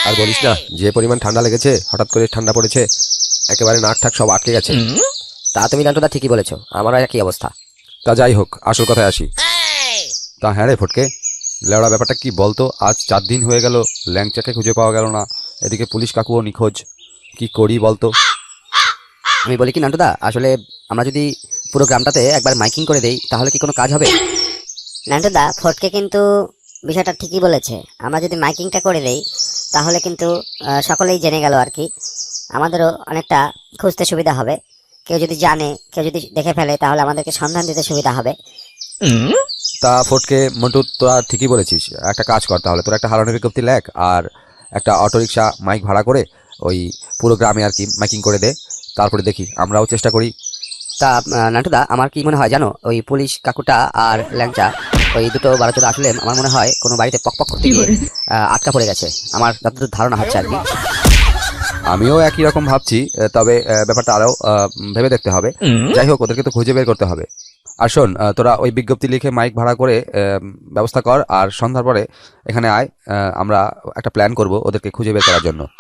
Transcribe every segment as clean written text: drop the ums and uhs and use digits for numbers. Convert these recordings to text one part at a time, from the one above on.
আর বলিস না, যে পরিমাণ ঠান্ডা লেগেছে, হঠাৎ করে ঠান্ডা পড়েছে, একেবারে নাক ঠাক সব আটকে গেছে। তা তুমি নান্টুদা ঠিকই বলেছো, আমারও একই অবস্থা। তা যাই হোক, আসল কথায় আসি। তা হ্যাঁ রে ফটকে, লেওড়া ব্যাপারটা কি বলতো? আজ 4 দিন হয়ে গেল, ল্যাংচাকে খুঁজে পাওয়া গেল না, এদিকে পুলিশ কাকুও নিখোঁজ। কি করি বলতো? আমি বলি কি নান্টুদা, আসলে আমরা যদি পুরো গ্রামটাতে একবার মাইকিং করে দেই তাহলে কি কোনো কাজ হবে? নান্টুদা, ফটকে কিন্তু বিষয়টা ঠিকই বলেছে। আমরা যদি মাইকিংটা করে দেই তাহলে কিন্তু সকলেই জেনে গেল আর কি, আমাদেরও অনেকটা খুঁজতে সুবিধা হবে। কেউ যদি জানে, কেউ যদি দেখে ফেলে তাহলে আমাদেরকে সন্ধান দিতে সুবিধা হবে। তা ফটকে মন্টু, তোরা ঠিকই বলেছিস। একটা কাজ কর তাহলে, তোরা একটা হারানোর বিজ্ঞপ্তি লেখ আর একটা অটোরিকশা মাইক ভাড়া করে ওই পুরো গ্রামে আর কি মাইকিং করে দে। তারপরে দেখি, আমরাও চেষ্টা করি। তা নান্টুদা, আমার কি মনে হয় জানো, ওই পুলিশ কাকুটা আর ল্যাংচা, ওই দুটো বারোচোদা আসলে আমার মনে হয় কোনো বাড়িতে পক করতে গিয়ে আটকা পড়ে গেছে, আমার যতদূর ধারণা হচ্ছে আর কি। আমিও একই রকম ভাবছি, তবে ব্যাপারটা আরও ভেবে দেখতে হবে। যাই হোক, ওদেরকে তো খুঁজে বের করতে হবে। আর শোন, তোরা ওই বিজ্ঞপ্তি লিখে মাইক ভাড়া করে ব্যবস্থা কর, আর সন্ধ্যার পরে এখানে আয়। আমরা একটা প্ল্যান করব ওদেরকে খুঁজে বের করার জন্য।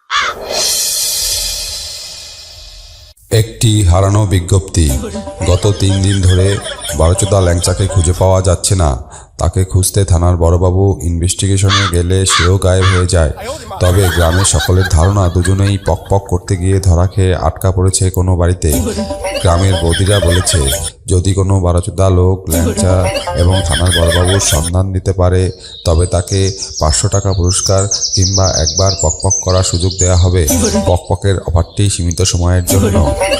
একটি হারানো বিজ্ঞপ্তি। গত 3 দিন ধরে বারোচোদা ল্যাংচাকে খুঁজে পাওয়া যাচ্ছে না। তাকে খুঁজতে থানার বড়বাবু ইনভেস্টিগেশনে গেলে সেও গায়েব হয়ে যায়। তবে গ্রামের সকলের ধারণা দুজনেই পক করতে গিয়ে ধরা খেয়ে আটকা পড়েছে কোনো বাড়িতে। গ্রামের বৌদিরা বলেছে, যদি কোনো বারোচোদা লোক ল্যাংচা এবং থানার বড়বাবুর সন্ধান দিতে পারে তবে তাকে 500 টাকা পুরস্কার কিংবা একবার পক করার সুযোগ দেওয়া হবে। পকের অফারটি সীমিত সময়ের জন্য।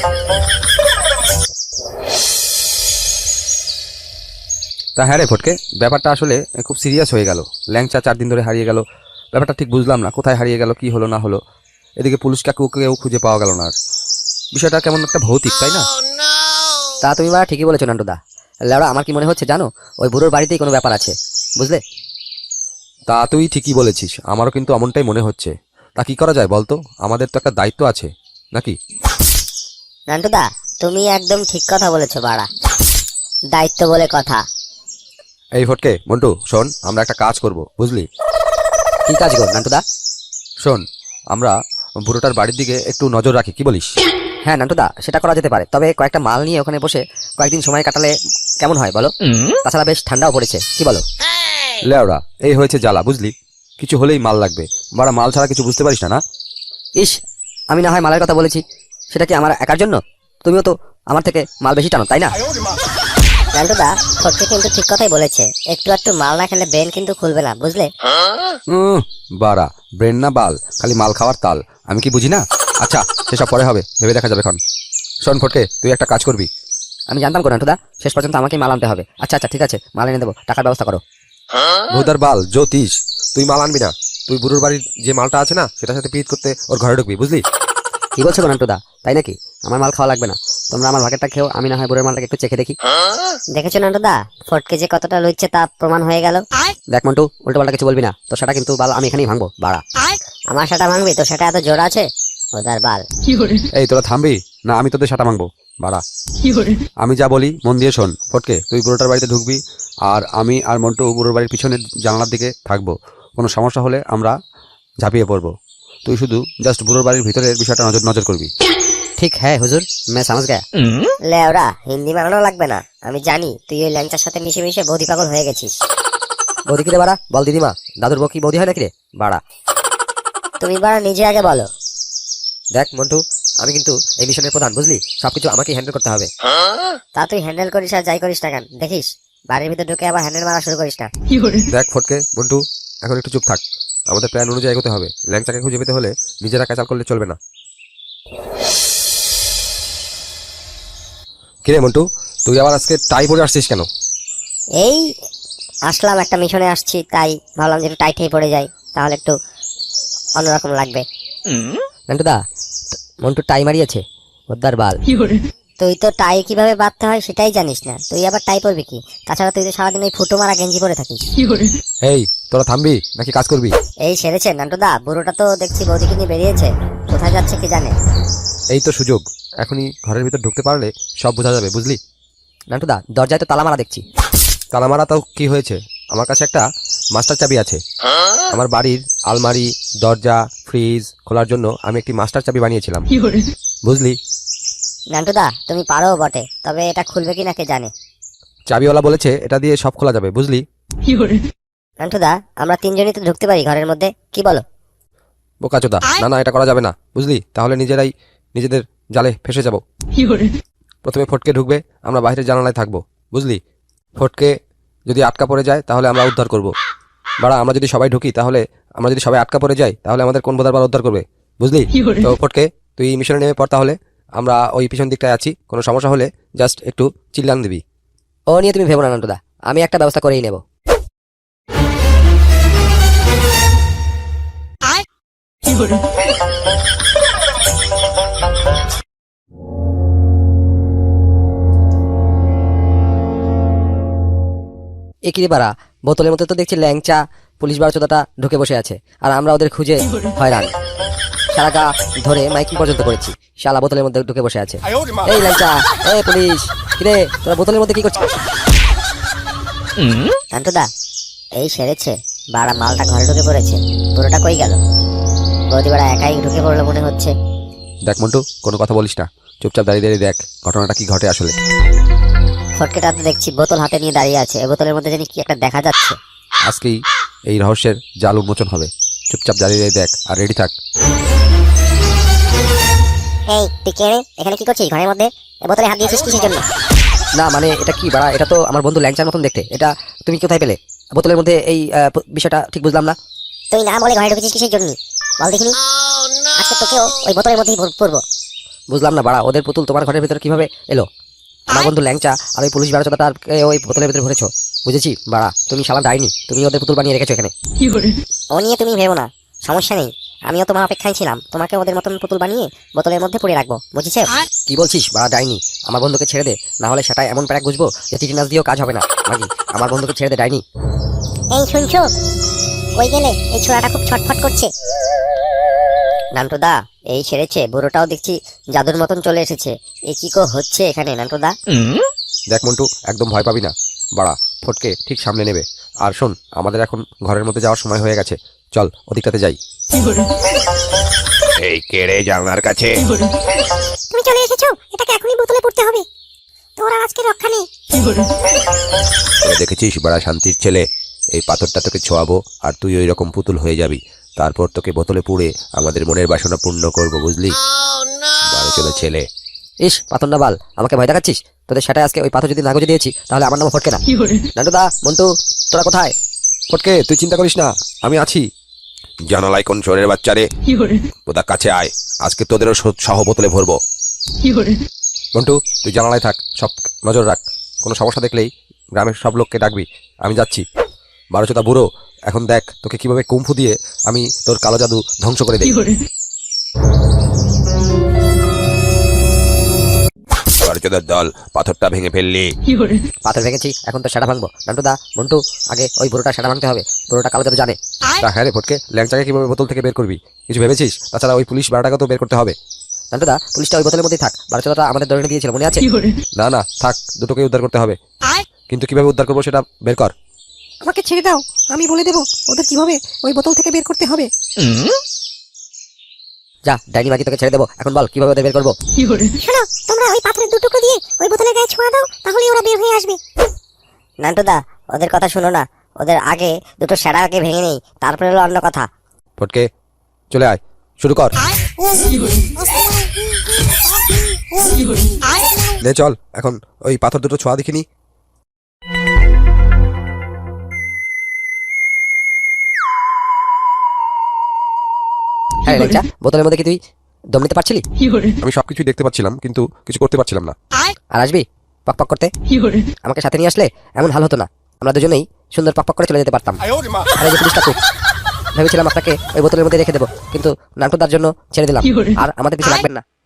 তা হ্যাঁ রে ফটকে, ব্যাপারটা আসলে খুব সিরিয়াস হয়ে গেল। ল্যাংচা 4 দিন ধরে হারিয়ে গেল, ব্যাপারটা ঠিক বুঝলাম না, কোথায় হারিয়ে গেল, কি হলো না হলো। এদিকে পুলিশ কাকুকেও খুঁজে পাওয়া গেল না। আর বিষয়টা কেমন একটা ভৌতিক, তাই না? তা তুমি বা ঠিকই বলেছো নান্টুদা। লেওড়া, আমার কি মনে হচ্ছে জানো, ওই বুড়োর বাড়িতেই কোনো ব্যাপার আছে, বুঝলে? তা তুই ঠিকই বলেছিস, আমারও কিন্তু এমনটাই মনে হচ্ছে। তা কি করা যায় বলতো? আমাদের তো একটা দায়িত্ব আছে নাকি? নান্টুদা, তুমি একদম ঠিক কথা বলেছো বাড়া, দায়িত্ব বলে কথা। এই ফটকে, মন্টু শোন, আমরা একটা কাজ করব, বুঝলি? কি কাজ গো নান্টুদা? শোন, আমরা বুড়োটার বাড়ির দিকে একটু নজর রাখি, কি বলিস? হ্যাঁ নান্টুদা, সেটা করা যেতে পারে, তবে কয়েকটা মাল নিয়ে ওখানে বসে কয়েকদিন সময় কাটালে কেমন হয় বলো? তাছাড়া বেশ ঠান্ডাও পড়েছে, কি বলো? লেওড়া, এই হয়েছে জ্বালা, বুঝলি? কিছু হলেই মাল লাগবে, বাড়া মাল ছাড়া কিছু বুঝতে পারিস না না? ইস, আমি না হয় মালের কথা বলেছি, সেটা কি আমার একার জন্য? তুমিও তো আমার থেকে মাল বেশি টানো, তাই না? নান্টুদা, ফটকে কিন্তু ঠিক কথাই বলেছে, একটু মাল না খেলে ব্রেন কিন্তু খুলবে না, বুঝলে? বাড়া, ব্রেন না বাল, খালি মাল খাওয়ার তাল। আমি কি বুঝি না? আচ্ছা, সেসব পরে হবে, ভেবে দেখা যাবে এখন। শোন ফটকে, তুই একটা কাজ করবি। আমি জানতাম কো নান্টুদা, শেষ পর্যন্ত আমাকে মাল আনতে হবে। আচ্ছা আচ্ছা, ঠিক আছে, মাল এনে দেবো, টাকার ব্যবস্থা করো। ভোদার বাল জ্যোতিষ, তুই মাল আনবি না। তুই বুড়োর বাড়ির যে মালটা আছে না, সেটার সাথে পিট করতে ওর ঘরে ঢুকবি, বুঝলি? কি বলছো গো নান্টুদা, তাই নাকি? আমার মাল খাওয়া লাগবে না, তোমরা আমার ভাগেরটা খেও, আমি না হয় বুড়োর মালটাকে একটু চেখে দেখি। দেখেছো নান্টুদা, ফটকে যে কতটা লইছে তা প্রমাণ হয়ে গেল। দেখ মন্টু, উল্টো পাল্টা কিছু বলবি না, তো সেটা কিন্তু বাল আমি এখানেই ভাঙবো, বাড়া। আমার সেটা ভাঙবি তো? সেটা এত জোর আছে ওদার বাল। এই তোরা থামবি না? আমি তোদের সাটা মাংবো, বাড়া। আমি যা বলি মন দিয়ে শোন। ফটকে, তুই বুড়োটার বাড়িতে ঢুকবি, আর আমি আর মন্টু বুড়োর বাড়ির পিছনের জানালার দিকে থাকবো। কোনো সমস্যা হলে আমরা ঝাঁপিয়ে পড়বো। তুই শুধু জাস্ট বুড়োর বাড়ির ভিতরের বিষয়টা নজর নজর করবি। ঠিক হ্যাঁ হুজুর, मैं समझ गया। লেওরা, হিন্দি বানানো লাগবে না, আমি জানি তুই ওই ল্যাংচার সাথে মিশে মিশে বৌদি পাগল হয়ে গেছিস। বৌদি কি রে বাড়া? বল দিদিমা, দাদুর বউ কি বৌদি হয় নাকি রে বাড়া? তুমি বাড়া নিজে আগে বলো। দেখ মন্টু, আমি কিন্তু এই মিশনের প্রধান, বুঝলি? সবকিছু আমাকে হ্যান্ডেল করতে হবে। তা তুই হ্যান্ডেল করিস আর যাই করিস না কেন, দেখিস বাড়ির ভিতর ঢুকে আবার হ্যান্ডেল মারা শুরু করিস না। দেখ ফটকে, মন্টু এখন একটু চুপ থাক। আমাদের প্ল্যান অনুযায়ী এগোতে হবে। ল্যাংচাকে খুঁজে পেতে হলে নিজেরা ক্যাচাল করলে চলবে না। কিরে মন্টু, তুই আবার আজকে টাই পরে আসছিস কেন? এই আসলাম, একটা মিশনে আসছি, তাই ভাবলাম যে একটু টাইট হয়ে পড়ে যাই, তাহলে একটু অন্যরকম লাগবে। নান্টুদা, মন্টু টাই মারিয়েছে, ওদ্দার বাল। তুই তো টাই কিভাবে বাঁধতে হয় সেটাই জানিস না, তুই আবার টাই পরবি কি? তাছাড়া তুই তো সারাদিন ওই ফুটো মারা গেঞ্জি পরে থাকিস। এই তোরা থামবি নাকি কাজ করবি? এই সেরেছে নান্টুদা, বুড়োটা তো দেখছি বৌদিকে নিয়ে বেরিয়েছে, কোথায় যাচ্ছে কি জানে। এই তো সুযোগ, এখনই ঘরের ভিতর ঢুকতে পারলে সব বোঝা যাবে, বুঝলি? নান্টুদা, দরজায় তো তালা মারা দেখছি। তালা মারা তাও কি হয়েছে? আমার কাছে একটা মাস্টার চাবি আছে। আমার বাড়ির আলমারি, দরজা, ফ্রিজ খোলার জন্য আমি একটি মাস্টার চাবি বানিয়েছিলাম, বুঝলি? নান্টুদা তুমি পারো বটে, তবে এটা খুলবে কিনা কে জানে। চাবিওয়ালা বলেছে এটা দিয়ে সব খোলা যাবে, বুঝলি? নান্টুদা আমরা তিনজনই তো ঢুকতে পারি ঘরের মধ্যে, কি বলো? বোকাচোদা, না না, এটা করা যাবে না, বুঝলি? তাহলে নিজেরাই নিজেদের জালে ফেসে যাব। প্রথমে ফটকে ঢুকবে, আমরা বাইরের জানালায় থাকবো, বুঝলি? ফটকে যদি আটকা পড়ে যায় তাহলে আমরা উদ্ধার করব। বাড়া, আমরা যদি সবাই ঢুকি তাহলে আমরা যদি সবাই আটকা পড়ে যাই তাহলে আমাদের কোন বোধার উদ্ধার করবে, বুঝলি? তো ফটকে তুই মিশনে নেমে পড়, তাহলে আমরা ওই পিছন দিকটায় আছি, কোনো সমস্যা হলে জাস্ট একটু চিল্লান দিবি। ও নিয়ে তুমি ভেবো না নান্টুদা, আমি একটা ব্যবস্থা করেই নেব। একই বাড়া, বোতলের মধ্যে তো দেখছি ল্যাংচা পুলিশ বারোচোদাটা ঢুকে বসে আছে, আর আমরা ওদের খুঁজে হয়রান। সারা গা ধরে মাইকিং পর্যন্ত করেছি, শালা বোতলের মধ্যে ঢুকে বসে আছে। এই ল্যাংচা, এই পুলিশ, কিরে তোরা বোতলের মধ্যে কি করছিস? নান্টুদা এই সেরেছে, বাড়া মালটা ঘরে ঢুকে পড়েছে, পুরোটা কই গেল? বৌদি বাড়া একাই ঢুকে পড়লো মনে হচ্ছে। দেখ মন্টু, কোনো কথা বলিস না, চুপচাপ দাঁড়িয়ে দাঁড়িয়ে দেখ ঘটনাটা কি ঘটে আসলে। ফটকেটা তো দেখছি বোতল হাতে নিয়ে দাঁড়িয়ে আছে, এই বোতলের মধ্যে জানি কি একটা দেখা যাচ্ছে। আজকেই এই রহস্যের জাল উন্মোচন হবে, চুপচাপ দাঁড়িয়ে দাঁড়িয়ে দেখ আর রেডি থাক। এই তুই কে রে? এখানে কি করছিস ঘরের মধ্যে? এই বোতলে হাত দিয়েছিস কিসের জন্য? না মানে এটা কি বাড়া, এটা তো আমার বন্ধু ল্যাংচার মতন দেখতে, এটা তুমি কোথায় পেলে? বোতলের মধ্যে এই বিষয়টা ঠিক বুঝলাম না। তুই না বলে ঘরে ঢুকেছিস কিসের জন্য বল দেখিনি? আজকে তোকেও ওই বোতলের মধ্যেই পড়বো। বুঝলাম না বাড়া, ওদের পুতুল তোমার ঘরের ভিতরে কিভাবে এলো? আমার বন্ধু ল্যাংচা আর ওই পুলিশ বারোচোদাটা ওই বোতলের ভিতরে ভরেছো, বুঝেছি বাড়া, তুমি শালা ডাইনি, তুমি ওদের পুতুল বানিয়ে রেখেছো এখানে। ও নিয়ে তুমি ভেবো না, সমস্যা নেই, আমিও তোমার অপেক্ষায় ছিলাম, তোমাকে ওদের মতন পুতুল বানিয়ে বোতলের মধ্যে পুড়ে রাখবো, বুঝেছো? কি বলছিস বাড়া ডাইনি? আমার বন্ধুকে ছেড়ে দে, না হলে সেটাই এমন প্যাক বুঝবো যে টিটিনাস দিয়েও কাজ হবে না। মাগি, আমার বন্ধুকে ছেড়ে দে ডাইনি। এই শুনছো, কই গেলে? এই ছোড়াটা খুব ছটফট করছে। নান্টুদা এই সেরেছে, বুড়োটাও দেখছি জাদুর মতন চলে এসেছে, এ কি হচ্ছে এখানে নান্টুদা? দেখ মন্টু, একদম ভয় পাবি না, বাড়া ফটকে ঠিক সামনে নেবে। আর শোন, আমাদের এখন ঘরের মধ্যে যাওয়ার সময় হয়ে গেছে, চল ওদিকটাতে যাই। এই কেড়ে জানলার কাছে। তুমি চলে এসেছো, এটাকে এখনই বোতলে পুড়তে হবে, তোর আর আজকে রক্ষা নেই। তোরা দেখেছিস বড়া শান্তির ছেলে, এই পাথরটা তোকে ছোঁয়াবো আর তুই ওই রকম পুতুল হয়ে যাবি, তারপর তোকে বোতলে পুড়ে আমাদের মনের বাসনা পূর্ণ করবো, বুঝলি? বারো চলো ছেলে। ইস পাথর না বাল, আমাকে ভয় দেখাচ্ছিস? তোদের সেটাই আজকে ওই পাথর যদি না গুজে দিয়েছি তাহলে আমার নাম ফটকে না। নান্টুদা, মন্টু, তোরা কোথায়? ফটকে তুই চিন্তা করিস না, আমি আছি। জানালায় কোন চোরের বাচ্চারে, ওদের কাছে আয়, আজকে তোদেরও সহ বোতলে ভরবো। মন্টু তুই জানালায় থাক, সব নজর রাখ, কোনো সমস্যা দেখলেই গ্রামের সব লোককে ডাকবি। আমি যাচ্ছি। বারোচোদা বুড়ো, এখন দেখ তোকে কিভাবে কুম্ফু দিয়ে আমি তোর কালো জাদু ধ্বংস করে দিই। বারোচোদার দল, পাথরটা ভেঙে ফেললি। পাথর ভেঙেছি, এখন তো সেটা ভাঙবো। নান্টুদা, মন্টু, আগে ওই বুড়োটা সেটা ভাঙতে হবে, বুড়োটা কালো জাদু জানে। তা হ্যাঁ রে ফটকে, ল্যাংচাকে কিভাবে বোতল থেকে বের করবি কিছু ভেবেছিস? তাছাড়া ওই পুলিশ বারোটাকে তো বের করতে হবে। নান্টুদা, পুলিশটা ওই বোতলের মধ্যেই থাক, বারোচোদাটা আমাদের ধরে দিয়েছিল, মনে আছে? না না থাক, দুটোকে উদ্ধার করতে হবে, কিন্তু কিভাবে উদ্ধার করবো সেটা বের কর। আমাকে ছেড়ে দাও, আমি বলে দেবো ওদের কিভাবে ওই বোতল থেকে বের করতে হবে। যা ডাইনি মাগি, তোকে ছেড়ে দেবো, এখন বল কিভাবে ওদের বের করবো? শোনো, তোমরা ওই পাথরের দুটুকরো দিয়ে ওই বোতলের গায়ে ছোঁয়া দাও, তাহলেই ওরা বের হয়ে আসবে। নান্টুদা ওদের কথা শোনো না, ওদের আগে দুটো সেরা আগে ভেঙে নেই, তারপরে হলো অন্য কথা। ফটকে চলে আয়, শুরু কর। নে চল, এখন ওই পাথর দুটো ছোঁয়া দেখিনি। হ্যাঁ ল্যাংচা, বোতলের মধ্যে কি তুই দম নিতে পারছিলি? আমি সবকিছুই দেখতে পাচ্ছিলাম কিন্তু কিছু করতে পারছিলাম না। আর আসবি পক পক করতে? আমাকে সাথে নিয়ে আসলে এমন হাল হতো না, আমরা দুজনেই সুন্দর পক পক করে চলে যেতে পারতাম। আর এই যে পুলিশটা খুব ভেবেছিলাম আপনাকে ওই বোতলের মধ্যে রেখে দেবো, কিন্তু নান্টুদার জন্য ছেড়ে দিলাম, আর আমাদের পিছু লাগবেন না।